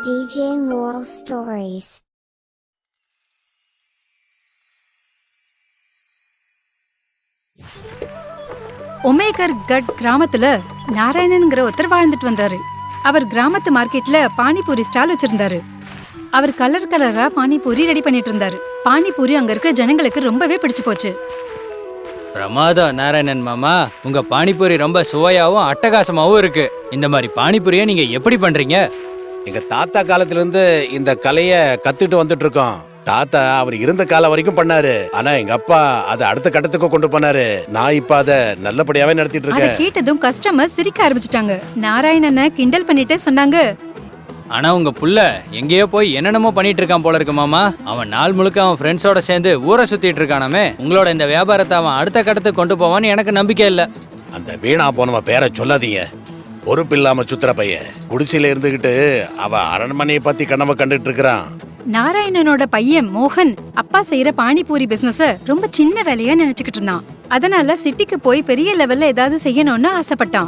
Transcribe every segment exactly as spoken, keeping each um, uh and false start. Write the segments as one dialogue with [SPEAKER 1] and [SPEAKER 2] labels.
[SPEAKER 1] D J Moral Stories.
[SPEAKER 2] ஒமேகர் கட் கிராமத்துல நாராயணன்ங்கிற ஒருத்தர் வாழ்ந்துட்டு வந்தாரு. அவர் கிராமத்து மார்க்கெட்ல பானிபூரி ஸ்டால் வச்சிருந்தாரு. அவர் கலர் கலரா பானிபூரி ரெடி பண்ணிட்டு இருந்தாரு. பானிபூரி அங்க இருக்கிற ஜனங்களுக்கு ரொம்பவே பிடிச்சு போச்சு.
[SPEAKER 3] பிரமாதம் நாராயணன் மாமா, உங்க பானிபூரி ரொம்ப சுவையாவும் அட்டகாசமாவும் இருக்கு. இந்த மாதிரி பானிபூரியை நீங்க எப்படி பண்றீங்க?
[SPEAKER 4] எங்க தாத்தா காலத்துல இருந்து இந்த கலைய கத்துட்டு வந்துட்டு இருக்கோம். தாத்தா அவர் இருந்த காலம் வரைக்கும் பண்ணாரு. ஆனா எங்க அப்பா அதை அடுத்த கட்டத்துக்கு கொண்டு போனாரு. நான் இப்ப அதை நல்லபடியாவே நடத்திட்டு
[SPEAKER 2] அதை
[SPEAKER 4] இருக்கேன்.
[SPEAKER 2] கேட்டதும் கஸ்டமர் சிரிக்க ஆரம்பிச்சிட்டாங்க. நாராயணனை கிண்டல் பண்ணிட்டே சொன்னாங்க,
[SPEAKER 3] ஆனா உங்க புள்ள எங்கேயோ போய் என்னென்னமோ பண்ணிட்டு இருக்கான் போல இருக்கு மாமா. அவன் நாள் முழுக்க அவன் ஃப்ரெண்ட்ஸோட சேர்ந்து ஊரை சுத்திட்டு இருக்கானாமே. உங்களோட இந்த வியாபாரத்தை அவன் அடுத்த கட்டத்துக்கு கொண்டு போவான்னு எனக்கு நம்பிக்கை இல்ல.
[SPEAKER 4] அந்த வீணா போனவ பேரை சொல்லாதீங்க. பொறுப்பு இல்லாம சுத்துற பையன் குடிசையில இருந்துகிட்டு அவ அரண்மனையை பத்தி கனவை கண்டுட்டு இருக்கிறான்.
[SPEAKER 2] நாராயணனோட பையன் மோகன் அப்பா செய்யற பானிபூரி பிசினஸ ரொம்ப சின்ன வேலையா நினைச்சுக்கிட்டு இருந்தான். அதனால சிட்டிக்கு போய் பெரிய லெவல்ல ஏதாவது செய்யணும்னு ஆசைப்பட்டான்.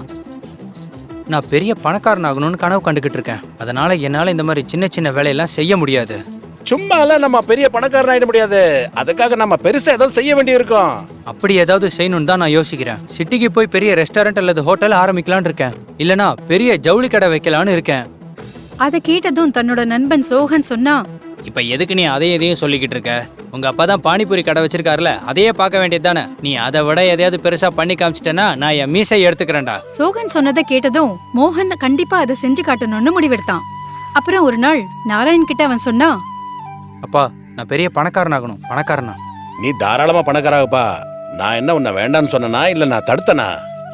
[SPEAKER 3] நான் பெரிய பணக்காரன் ஆகணும்னு கனவு கண்டுகிட்டு இருக்கேன். அதனால என்னால இந்த மாதிரி சின்ன சின்ன வேலையெல்லாம் செய்ய முடியாது.
[SPEAKER 4] சும்மால நம்ம பெரிய பணக்காரன் ஆயிட முடியாது. அதுக்காக நம்ம பெருசா ஏதாவது செய்ய வேண்டி இருக்கும்.
[SPEAKER 3] அப்படி ஏதாவது செய்யணும்னு தான் நான் யோசிக்கிறேன். சிட்டிக்கு போய் பெரிய ரெஸ்டாரண்ட் அல்லது ஹோட்டல் ஆரம்பிக்கலான்னு இருக்கேன். இல்லனா பெரிய ஜவுளி கடை வைக்கலான்னு இருக்கேன்.
[SPEAKER 2] அதை கேட்டதும் தன்னோட நண்பன் சோகன் சொன்னா,
[SPEAKER 3] இப்ப எதுக்கு நீ அதையும் எதையும் சொல்லிக்கிட்டு இருக்க? உங்க அப்பா தான் பானிபூரி கடை வச்சிருக்காருல, அதையே பார்க்க வேண்டியது தானே. நீ அதை விட எதையாவது பெருசா பண்ணி காமிச்சிட்டேன்னா நான் என் மீசை எடுத்துக்கிறேன்டா.
[SPEAKER 2] சோகன் சொன்னதை கேட்டதும் மோகன் கண்டிப்பா அதை செஞ்சு காட்டணும்னு முடிவெடுத்தான். அப்புறம் ஒரு நாள் நாராயண் கிட்ட அவன் சொன்னா,
[SPEAKER 3] அப்பா நான் பெரிய பணக்காரன் ஆகணும். பணக்காரனா?
[SPEAKER 4] நீ தாராளமா பணக்காராகப்பா. நான் என்ன உன்னை வேண்டான்னு சொன்னனா இல்ல நான் தடுத்தனா?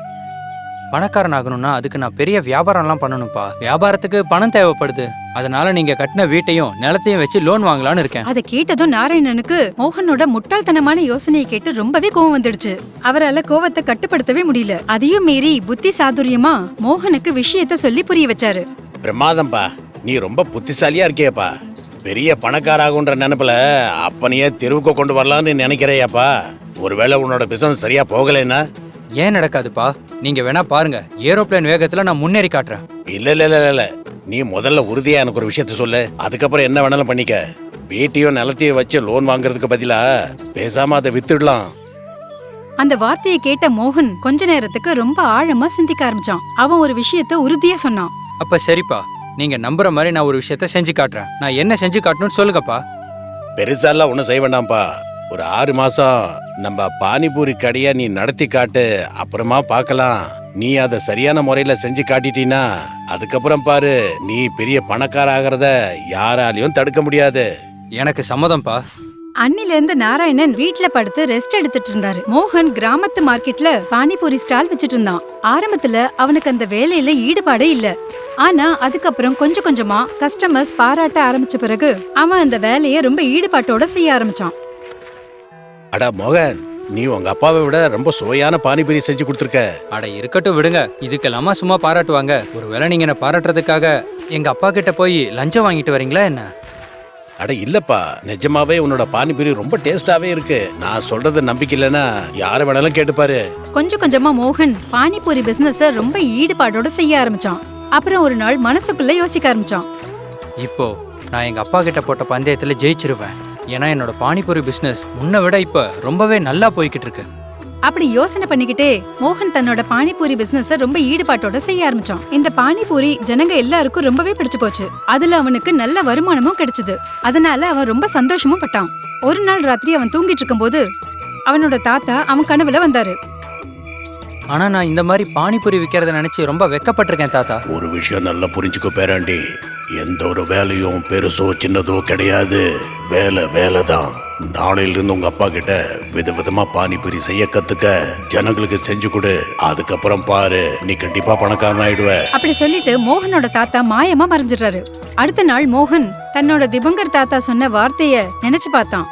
[SPEAKER 3] பணக்காரன் ஆகணும்னா அதுக்கு நான் பெரிய வியாபாரம்லாம் பண்ணணும்ப்பா. வியாபாரத்துக்கு பணம் தேவைப்படுது. அதனால நீங்க கட்டின வீட்டையும் நிலத்தையும் வச்சு லோன் வாங்கலான்னு இருக்கேன்.
[SPEAKER 2] அதை கேட்டதும் நாராயணனுக்கு மோகனோட முட்டாள்தனமான யோசனையை கேட்டு ரொம்பவே கோவம் வந்துடுச்சு. அவரால கோவத்தை கட்டுப்படுத்தவே முடியல. அதையும் மீறி புத்தி சாதுரியமா மோகனுக்கு விஷயத்த சொல்லி புரிய வச்சாரு.
[SPEAKER 4] பிரமாதம்பா, நீ ரொம்ப புத்திசாலியா இருக்கியப்பா. பெரிய பணக்காராகுன்ற நினைப்புல அப்பனையே தெருவுக்கு கொண்டு வரலான்னு நினைக்கிறையாப்பா. ஒருவேளை உன்னோட பிசினஸ் சரியா போகலைன்னா?
[SPEAKER 3] ஏன் நடக்காதுப்பா? நீங்க வேணா பாருங்க, ஏரோப்ளேன் வேகத்துல நான் முன்னேறி காட்டுறேன்.
[SPEAKER 4] இல்ல இல்ல இல்ல இல்ல நீ முதல்ல உறுதியா எனக்கு ஒரு விஷயத்த சொல்லு. அதுக்கப்புறம் என்ன வேணாலும் பண்ணிக்க. வீட்டையும் நிலத்தையும் வச்சு லோன் வாங்குறதுக்கு பதிலா பேசாம அதை வித்துடலாம்.
[SPEAKER 2] அந்த வார்த்தையை கேட்ட மோகன் கொஞ்ச நேரத்துக்கு ரொம்ப ஆழமா சிந்திக்க ஆரம்பிச்சான். அவன் ஒரு விஷயத்த உறுதியா சொன்னான்.
[SPEAKER 3] அப்ப சரிப்பா, நீங்க நம்புற மாதிரி நான் ஒரு விஷயத்த செஞ்சு காட்டுறேன். நான் என்ன செஞ்சு காட்டணும்னு சொல்லுங்கப்பா.
[SPEAKER 4] பெருசாலாம் ஒன்றும் செய்ய வேண்டாம்ப்பா. ஒரு ஆறு மாசம் நம்ம பானிபூரி கடையை நீ நடத்தி காட்டு. அப்புறமா பார்க்கலாம். நீ அதை சரியான முறையில செஞ்சு காட்டிட்டீன்னா அதுக்கப்புறம் பாரு, நீ பெரிய பணக்கார ஆகிறத யாராலையும் தடுக்க முடியாது.
[SPEAKER 3] எனக்கு சம்மதம்ப்பா.
[SPEAKER 2] அன்னில இருந்து நாராயணன் வீட்ல படுத்து ரெஸ்ட் எடுத்துட்டு இருந்தாரு. மோகன் கிராமத்து மார்க்கெட்ல பானிபூரி ஸ்டால் வச்சிட்டு இருந்தான். ஆரம்பத்துல அவனுக்கு அந்த வேலையில ஈடுபாடே இல்ல. ஆனா அதுக்கப்புறம் கொஞ்சம் கொஞ்சமா கஸ்டமர்ஸ் பாராட்ட ஆரம்பிச்ச பிறகு அவன் அந்த வேலையை ரொம்ப ஈடுபாட்டோட செய்ய ஆரம்பிச்சான்.
[SPEAKER 4] அடா மோகன், நீ உங்க அப்பாவை விட ரொம்ப சுவையான பானிபூரி செஞ்சு கொடுத்துருக்க.
[SPEAKER 3] அட இருக்கட்டும் விடுங்க, இதுக்கெல்லாமா சும்மா பாராட்டுவாங்க? ஒருவேளை நீங்க என்ன பாராட்டுறதுக்காக எங்க அப்பா கிட்ட போய் லஞ்சம் வாங்கிட்டு வரீங்களா என்ன?
[SPEAKER 4] அட இல்லப்பா, நிஜமாவே உன்னோட பானிபூரி ரொம்ப டேஸ்டாவே இருக்கு. நான் சொல்றது நம்பிக்கை இல்லைன்னா யாரை வேணாலும் கேட்டுப்பாரு.
[SPEAKER 2] கொஞ்சம் கொஞ்சமா மோகன் பானிபூரி பிசினஸ ரொம்ப ஈடுபாடோட செய்ய ஆரம்பிச்சான். அப்புறம் ஒரு நாள் மனசுக்குள்ள யோசிக்க ஆரம்பிச்சான்,
[SPEAKER 3] இப்போ நான் எங்க அப்பா கிட்ட போட்ட பந்தயத்துல ஜெயிச்சிருவேன். ஏன்னா என்னோட பானிபூரி பிசினஸ் முன்ன விட இப்ப ரொம்பவே நல்லா போய்கிட்டு இருக்கு.
[SPEAKER 2] அப்படி யோசனை பண்ணிக்கிட்டே மோகன் தன்னோட பானிபூரி பிசினஸ ரொம்ப ஈடுபாட்டோட செய்ய ஆரம்பிச்சான். இந்த பானிபூரி ஜனங்க எல்லாருக்கும் ரொம்பவே பிடிச்சு போச்சு. அதுல அவனுக்கு நல்ல வருமானமும் கிடைச்சது. அதனால அவன் ரொம்ப சந்தோஷமும் பட்டான். ஒரு நாள் ராத்திரி அவன் தூங்கிட்டு இருக்கும் போது அவனோட தாத்தா அவன் கனவுல வந்தாரு.
[SPEAKER 3] ஆனா நான் இந்த மாதிரி பானிபூரி விக்கிறத நினைச்சு ரொம்ப வெக்கப்பட்டிருக்கேன் தாத்தா.
[SPEAKER 4] ஒரு விஷயம் நல்லா புரிஞ்சுக்கோ பேராண்டி, எந்த ஒரு வேலையும் பெருசோ சின்னதோ கிடையாது. வேலை வேலை தான். நாளையில இருந்து உங்க அப்பா கிட்ட விதவிதமா பானிபூரி செய்ய கத்துக்க, ஜனங்களுக்கு செஞ்சு கொடு. அதுக்கப்புறம் பாரு, நீ கண்டிப்பா பணக்காரன் ஆயிடுவ.
[SPEAKER 2] அப்படி சொல்லிட்டு மோகனோட தாத்தா மாயமா மறைஞ்சிடுறாரு. அடுத்த நாள் மோகன் தன்னோட திபங்கர் தாத்தா சொன்ன வார்த்தைய நினைச்சு பார்த்தான்.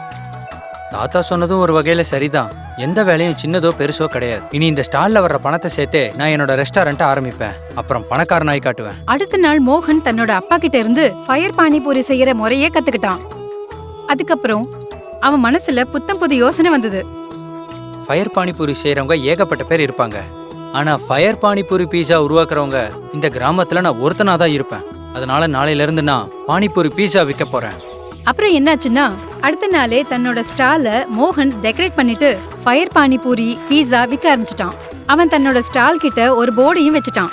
[SPEAKER 3] தாத்தா சொன்னதும் ஒரு வகையில சரிதான். எந்த வேலையும் சின்னதோ பெருசோ கிடையாது. இனி இந்த ஸ்டால்ல வர்ற பணத்தை சேர்த்தே நான் என்னோட ரெஸ்டாரண்ட்டை ஆரம்பிப்பேன். அப்புறம் பணக்காரனாய் காட்டுவேன்.
[SPEAKER 2] அடுத்த நாள் மோகன் தன்னோட அப்பா கிட்ட இருந்து ஃபயர் பானிபூரி செய்யற முறையே கத்துக்கிட்டான். அதுக்கப்புறம் அவன் மனசுல புத்தம் புது யோசனை வந்தது.
[SPEAKER 3] ஃபயர் பானிபூரி செய்யறவங்க ஏகப்பட்ட பேர் இருப்பாங்க. ஆனா ஃபயர் பானிபூரி பீஸா உருவாக்குறவங்க இந்த கிராமத்துல நான் ஒருத்தனா தான் இருப்பேன். அதனால நாளையில இருந்து நான் பானிபூரி பீஸா விற்க போறேன்.
[SPEAKER 2] அப்புறம் என்னாச்சுன்னா அடுத்த நாளே தன்னோட ஸ்டால மோகன் டெக்கரேட் பண்ணிட்டு ஃபயர் பானிபூரி பீஸா விற்க ஆரம்பிச்சிட்டான். அவன் தன்னோட ஸ்டால் கிட்ட ஒரு போர்டையும் வச்சுட்டான்.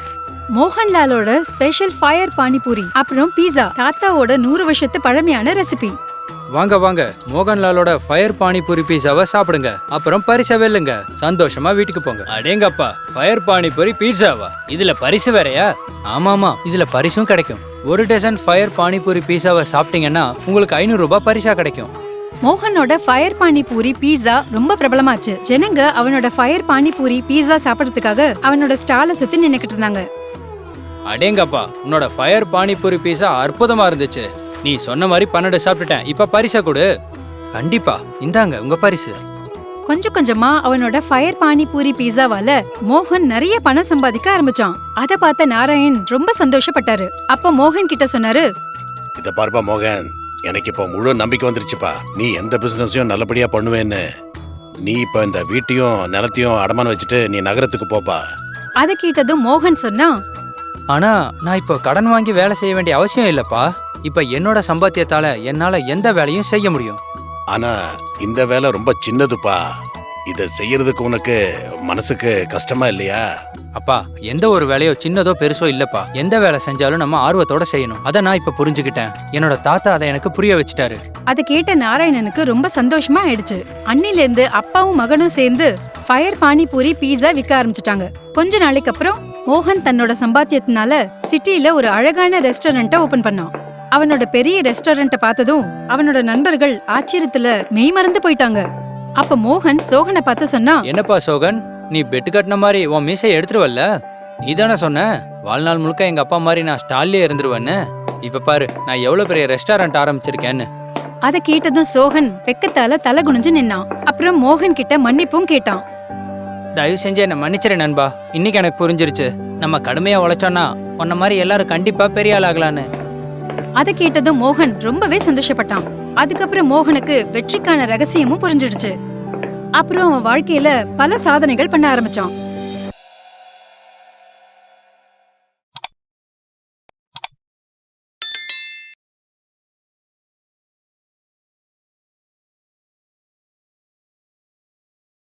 [SPEAKER 2] மோகன்லாலோட ஸ்பெஷல் ஃபயர் பானிபூரி அப்புறம் பீஸா, தாத்தாவோட நூறு வருஷத்து பழமையான ரெசிபி.
[SPEAKER 3] வாங்க வாங்க, மோகன்லாலோட ஃபயர் பானிபூரி பீஸாவை சாப்பிடுங்க, அப்புறம் பரிசை வெல்லுங்க, சந்தோஷமா வீட்டுக்கு போங்க. அடேங்கப்பா, ஃபயர் பானிபூரி பீஸாவா? இதுல பரிசு வேறயா? ஆமாமா, இதுல பரிசும் கிடைக்கும். ஒரு டசன் ஃபயர் பானிபூரி பீஸாவை சாப்பிட்டீங்கன்னா உங்களுக்கு ஐநூறு ரூபாய் பரிசா கிடைக்கும்.
[SPEAKER 2] மோகனோட ஃபயர் பானிபூரி பீஸா ரொம்ப பிரபலமாச்சு. ஜனங்க அவனோட ஃபயர் பானிபூரி பீஸா சாப்பிடறதுக்காக அவனோட ஸ்டாலை சுத்தி நின்னுக்கிட்டு இருந்தாங்க.
[SPEAKER 3] அடேங்கப்பா, உன்னோட ஃபயர் பானிபூரி பீஸா அற்புதமா இருந்துச்சு. நீ சொன்ன மாதிரி பன்னெண்டு சாப்பிட்டுட்டேன். இப்ப பரிசை கொடு. கண்டிப்பா, இந்தாங்க உங்க பரிசு.
[SPEAKER 2] கொஞ்சம் கொஞ்சமா அவனோட ஃபயர் பானிபூரி பீஸாவால மோகன் நிறைய பணம் சம்பாதிக்க ஆரம்பிச்சான். அத பார்த்த நாராயண் ரொம்ப சந்தோஷப்பட்டாரு. அப்ப மோகன் கிட்ட சொன்னாரு,
[SPEAKER 4] இத பார்ப்பா மோகன், எனக்கு இப்போ முழு நம்பிக்கை வந்துருச்சுப்பா. நீ எந்த பிசினஸையும் நல்லபடியா பண்ணுவேன்னு. நீ இப்ப இந்த வீட்டையும் நிலத்தையும் அடமான வச்சுட்டு நீ நகரத்துக்கு போப்பா.
[SPEAKER 2] அத கேட்டதும் மோகன் சொன்னா,
[SPEAKER 3] ஆனா நான் இப்போ கடன் வாங்கி வேலை செய்ய வேண்டிய அவசியம் இல்லப்பா. இப்ப என்னோட சம்பாத்தியத்தால என்னால எந்த வேலையும் செய்ய முடியும்.
[SPEAKER 4] ஆனா இந்த வேலை ரொம்ப சின்னதுப்பா. இத செய்யறதுக்கு உனக்கு மனசுக்கு கஷ்டமா இல்லையா?
[SPEAKER 3] அப்பா, எந்த ஒரு வேலையோ சின்னதோ பெருசோ இல்லப்பா. எந்த வேலை செஞ்சாலும் நம்ம ஆர்வத்தோட செய்யணும். அதை நான் இப்ப புரிஞ்சுக்கிட்டேன். என்னோட தாத்தா அதை எனக்கு புரிய வச்சுட்டாரு.
[SPEAKER 2] அத கேட்ட நாராயணனுக்கு ரொம்ப சந்தோஷமா ஆயிடுச்சு. அன்னில இருந்து அப்பாவும் மகனும் சேர்ந்து ஃபயர் பானிபூரி பீஸா விற்க ஆரம்பிச்சிட்டாங்க. கொஞ்ச நாளைக்கு அப்புறம் மோகன் தன்னோட சம்பாத்தியத்தினால சிட்டில ஒரு அழகான ரெஸ்டாரண்ட்டை ஓபன் பண்ணான். அவனோட பெரிய ரெஸ்டாரண்ட்டை பார்த்ததும் அவனோட நண்பர்கள் ஆச்சரியத்துல மெய்மறந்து போயிட்டாங்க. அப்ப மோகன் சோகனை பார்த்து சொன்னா,
[SPEAKER 3] என்னப்பா சோகன், நீ பெட்டு கட்டின மாதிரி உன் மீசை எடுத்துருவல்ல? நீ தானே சொன்ன வாழ்நாள் முழுக்க எங்க அப்பா மாதிரி நான் ஸ்டால்லே இருந்துருவேன்னு. இப்ப பாரு, நான் எவ்வளவு பெரிய ரெஸ்டாரண்ட் ஆரம்பிச்சிருக்கேன்னு.
[SPEAKER 2] அத கேட்டதும் சோகன் வெக்கத்தால தலை குனிஞ்சு நின்னான். அப்புறம் மோகன் கிட்ட மன்னிப்பும் கேட்டான்.
[SPEAKER 3] தயவு செஞ்சு என்ன மன்னிச்சிரு நண்பா. இன்னைக்கு எனக்கு புரிஞ்சிருச்சு, நம்ம கடுமையா உழைச்சோன்னா உன்ன மாதிரி எல்லாரும் கண்டிப்பா பெரிய ஆள் ஆகலான்னு.
[SPEAKER 2] அத கேட்டதும் மோகன் ரொம்பவே சந்தோஷப்பட்டான். அதுக்கப்புறம் மோகனுக்கு வெற்றிக்கான ரகசியமும் புரிஞ்சிடுச்சு. அப்புறம் அவன் வாழ்க்கையில பல சாதனைகள் பண்ண ஆரம்பிச்சான்.